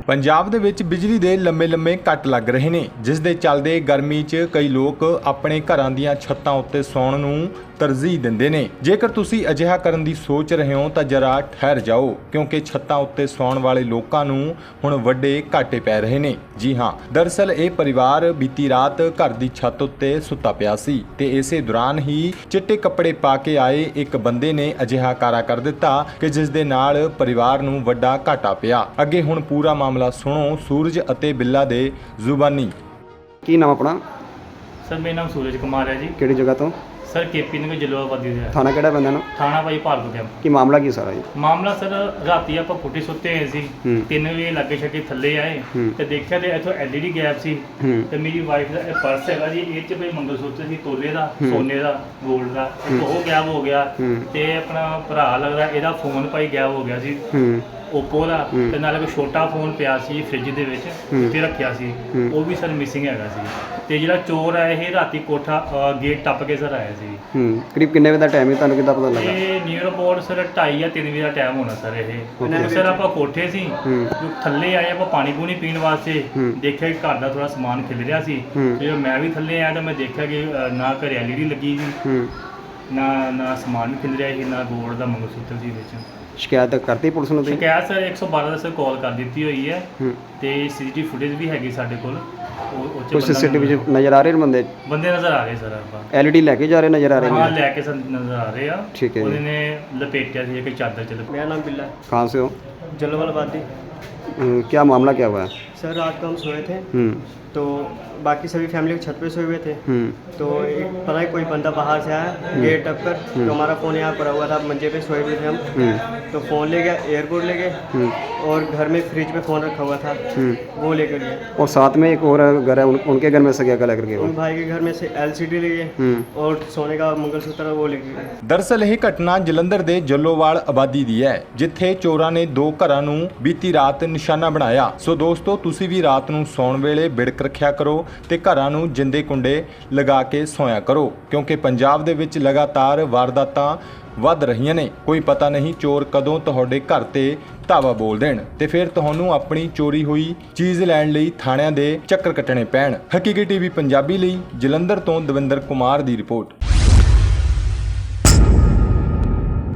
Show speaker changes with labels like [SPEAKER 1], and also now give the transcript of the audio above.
[SPEAKER 1] ਪੰਜਾਬ ਦੇ ਵਿੱਚ ਬਿਜਲੀ ਦੇ ਲੰਮੇ ਕੱਟ ਲੱਗ ਰਹੇ ਨੇ, ਜਿਸ ਦੇ ਚੱਲਦੇ ਗਰਮੀ 'ਚ ਕਈ ਲੋਕ ਆਪਣੇ ਘਰਾਂ ਦੀਆਂ ਛੱਤਾਂ ਉੱਤੇ ਸੌਣ ਨੂੰ ਤਰਜੀਹ ਦਿੰਦੇ ਨੇ। ਜੇਕਰ ਤੁਸੀਂ ਅਜਿਹਾ ਕਰਨ ਦੀ ਸੋਚ ਰਹੇ ਹੋ ਤਾਂ ਜਰਾ ਠਹਿਰ ਜਾਓ, ਕਿਉਂਕਿ ਛੱਤਾਂ ਉੱਤੇ ਸੌਣ ਵਾਲੇ ਲੋਕਾਂ ਨੂੰ ਹੁਣ ਵੱਡੇ ਘਾਟੇ ਪੈ ਰਹੇ ਨੇ। ਜੀ ਹਾਂ, ਦਰਅਸਲ ਇਹ ਪਰਿਵਾਰ ਬੀਤੀ ਰਾਤ ਘਰ ਦੀ ਛੱਤ ਉੱਤੇ ਸੁੱਤਾ ਪਿਆ ਸੀ ਤੇ ਇਸੇ ਦੌਰਾਨ ਹੀ ਚਿੱਟੇ ਕੱਪੜੇ ਪਾ ਕੇ ਆਏ ਇੱਕ ਬੰਦੇ ਨੇ ਅਜਿਹਾ ਕਾਰਾ ਕਰ ਦਿੱਤਾ ਕਿ ਜਿਸ ਦੇ ਨਾਲ ਪਰਿਵਾਰ ਨੂੰ ਵੱਡਾ ਘਾਟਾ ਪਿਆ। ਅੱਗੇ ਹੁਣ ਪੂਰਾ ਮਾਮਲਾ ਸੁਣੋ ਸੂਰਜ ਅਤੇ ਬਿੱਲਾ ਦੇ ਜ਼ੁਬਾਨੀ।
[SPEAKER 2] ਕੀ ਨਾਮ ਆਪਣਾ?
[SPEAKER 3] ਸਰ ਮੇਰਾ ਨਾਮ ਸੂਰਜ ਕੁਮਾਰ ਹੈ ਜੀ।
[SPEAKER 2] ਕਿਹੜੀ ਜਗ੍ਹਾ ਤੋਂ?
[SPEAKER 3] ਸਰ ਕੇਪੀ ਨਗਰ ਜਲਾਲਾਬਾਦ ਦੇ
[SPEAKER 2] ਥਾਣਾ ਕਿਹੜਾ ਪੈਂਦਾ ਨਾ?
[SPEAKER 3] ਥਾਣਾ ਭਾਈ ਭਾਰਗੋ ਕੈਂਪ।
[SPEAKER 2] ਕੀ ਮਾਮਲਾ ਕੀ ਸਾਰਾ ਜੀ?
[SPEAKER 3] ਮਾਮਲਾ ਸਰ ਰਾਤੀ ਆਪਾਂ ਪੁੱਠੇ ਸੁੱਤੇ ਹੋਏ ਸੀ, 3 ਵਜੇ ਲੱਗੇ ਛੱਕੇ ਥੱਲੇ ਆਏ ਤੇ ਦੇਖਿਆ ਤੇ ਇੱਥੋਂ LED ਗੈਪ ਸੀ ਤੇ ਮੇਰੀ ਵਾਈਫ ਦਾ ਇਹ ਪਰਸ ਹੈਗਾ ਜੀ, ਇਹ 'ਚ ਕੋਈ ਮੰਗਲਸੂਤਰ ਸੀ ਤੋਲੇ ਦਾ, ਸੋਨੇ ਦਾ, 골ਡ ਦਾ, ਉਹ ਗਾਇਬ ਹੋ ਗਿਆ। ਤੇ ਆਪਣਾ ਭਰਾ ਲੱਗਦਾ ਇਹਦਾ ਫੋਨ ਭਾਈ ਗਾਇਬ ਹੋ ਗਿਆ ਸੀ, ਓਪੋ ਦਾ, ਤੇ ਨਾਲ ਇੱਕ ਛੋਟਾ ਫੋਨ ਪਿਆ ਸੀ ਫ੍ਰਿਜ ਦੇ ਵਿੱਚ ਉੱਤੇ ਰੱਖਿਆ ਸੀ, ਉਹ ਵੀ ਸਰ ਮਿਸਿੰਗ ਹੈਗਾ ਸੀ। ਤੇ ਜਿਹੜਾ ਚੋਰ ਆਇਆ ਇਹ ਰਾਤੀ ਕੋਠਾ ਗੇਟ ਟੱਪ ਕੇ ਸਰ ਆਇਆ ਸੀ।
[SPEAKER 2] ਕਰੀਬ ਕਿੰਨੇ ਵਜੇ ਦਾ ਟਾਈਮ ਹੈ, ਤੁਹਾਨੂੰ ਕਿੱਦਾਂ ਪਤਾ ਲੱਗਾ?
[SPEAKER 3] ਇਹ ਨੀਅਰ ਅਬਾਊਟ ਸਰ 2:30 ਜਾਂ 3 ਵਜੇ ਦਾ ਟਾਈਮ ਹੋਣਾ ਸਰ। ਇਹ ਸਰ ਆਪਾਂ ਕੋਠੇ ਸੀ, ਥੱਲੇ ਆਏ ਆਪਾਂ ਪਾਣੀ ਪੂਣੀ ਪੀਣ ਵਾਸਤੇ, ਦੇਖਿਆ ਕਿ ਘਰ ਦਾ ਥੋੜਾ ਸਮਾਨ ਖਿਲ ਰਿਹਾ ਸੀ। ਜਦੋਂ ਮੈਂ ਵੀ ਥੱਲੇ ਆਇਆ ਤਾਂ ਮੈਂ ਦੇਖਿਆ ਕਿ ਨਾ ਘਰੇ LED ਲੱਗੀ ਸੀ, ਨਾ ਸਮਾਨ ਵੀ ਖਿਲ ਰਿਹਾ ਸੀ, ਨਾ ਗੋਲਡ ਦਾ ਮੰਗਲਸੂਤਰ ਸੀ ਵਿੱਚ।
[SPEAKER 2] ਸ਼ਿਕਾਇਤ ਕਰਤੀ ਪੁਲਿਸ ਨੂੰ?
[SPEAKER 3] ਸ਼ਿਕਾਇਤ ਸਰ 112 ਦਾ ਸਰ ਕਾਲ ਕਰ ਦਿੱਤੀ ਹੋਈ ਹੈ ਤੇ CCTV ਫੁਟੇਜ ਵੀ ਹੈਗੀ ਸਾਡੇ ਕੋਲ।
[SPEAKER 2] ਕੋਈ CCTV ਵਿੱਚ ਨਜ਼ਰ ਆ ਰਹੇ ਬੰਦੇ
[SPEAKER 3] ਨਜ਼ਰ ਆ ਰਹੇ ਸਰ। ਆਪਾਂ
[SPEAKER 2] LED ਲੈ ਕੇ ਜਾ ਰਹੇ ਨਜ਼ਰ ਆ ਰਹੇ?
[SPEAKER 3] ਹਾਂ, ਲੈ ਕੇ ਸਰ ਨਜ਼ਰ ਆ ਰਹੇ ਆ।
[SPEAKER 2] ਠੀਕ ਹੈ।
[SPEAKER 3] ਉਹਨੇ ਲਪੇਟਿਆ ਸੀ ਇੱਕ ਚਾਦਰ ਚ।
[SPEAKER 4] मेरा नाम बिल्ला।
[SPEAKER 2] कहाँ से हो?
[SPEAKER 4] जलालाबाद।
[SPEAKER 2] क्या मामला क्या हुआ है?
[SPEAKER 4] सर रात को हम सोए थे तो बाकी सभी फैमिली छत पे सोए हुए थे, तो एक पता है कोई बंदा बाहर से आया गेट टप कर, तो हमारा फ़ोन यहाँ पड़ा हुआ था, मंजे पे सोए हुए थे हम, तो फ़ोन ले गया, एयरपोर्ट ले गए और घर में फ्रिज पे फ़ोन रखा हुआ था वो लेकर गए। और
[SPEAKER 2] साथ में एक और घर है, उनके घर में से क्या लेकर गए?
[SPEAKER 4] उन भाई के घर में से LCD ले गए और सोने का मंगलसूत्र वो लेकर गए।
[SPEAKER 1] ਦਰਅਸਲ ਇਹ ਘਟਨਾ ਜਲੰਧਰ ਦੇ ਜੱਲੋਵਾਲ ਆਬਾਦੀ ਦੀ ਹੈ, ਜਿੱਥੇ ਚੋਰਾਂ ਨੇ 2 ਘਰਾਂ ਨੂੰ ਬੀਤੀ ਰਾਤ ਨਿਸ਼ਾਨਾ ਬਣਾਇਆ। ਸੋ ਦੋਸਤੋ, ਤੁਸੀਂ ਵੀ ਰਾਤ ਨੂੰ ਸੌਣ ਵੇਲੇ ਬਿੜਕ ਰੱਖਿਆ ਕਰੋ ਤੇ ਘਰਾਂ ਨੂੰ ਜਿੰਦੇ ਕੁੰਡੇ ਲਗਾ ਕੇ ਸੌਂਇਆ ਕਰੋ, ਕਿਉਂਕਿ ਪੰਜਾਬ ਦੇ ਵਿੱਚ ਲਗਾਤਾਰ ਵਾਰਦਾਤਾਂ ਵੱਧ ਰਹੀਆਂ ਨੇ। ਕੋਈ ਪਤਾ ਨਹੀਂ ਚੋਰ ਕਦੋਂ ਤੁਹਾਡੇ ਘਰ ਤੇ ਧਾਵਾ ਬੋਲ ਦੇਣ ਤੇ ਫਿਰ ਤੁਹਾਨੂੰ ਆਪਣੀ ਚੋਰੀ ਹੋਈ ਚੀਜ਼ ਲੈਣ ਲਈ ਥਾਣਿਆਂ ਦੇ ਚੱਕਰ ਕੱਟਣੇ ਪੈਣ। ਹਕੀਕੀ TV ਪੰਜਾਬੀ ਲਈ ਜਲੰਧਰ ਤੋਂ ਦਵਿੰਦਰ ਕੁਮਾਰ ਦੀ ਰਿਪੋਰਟ।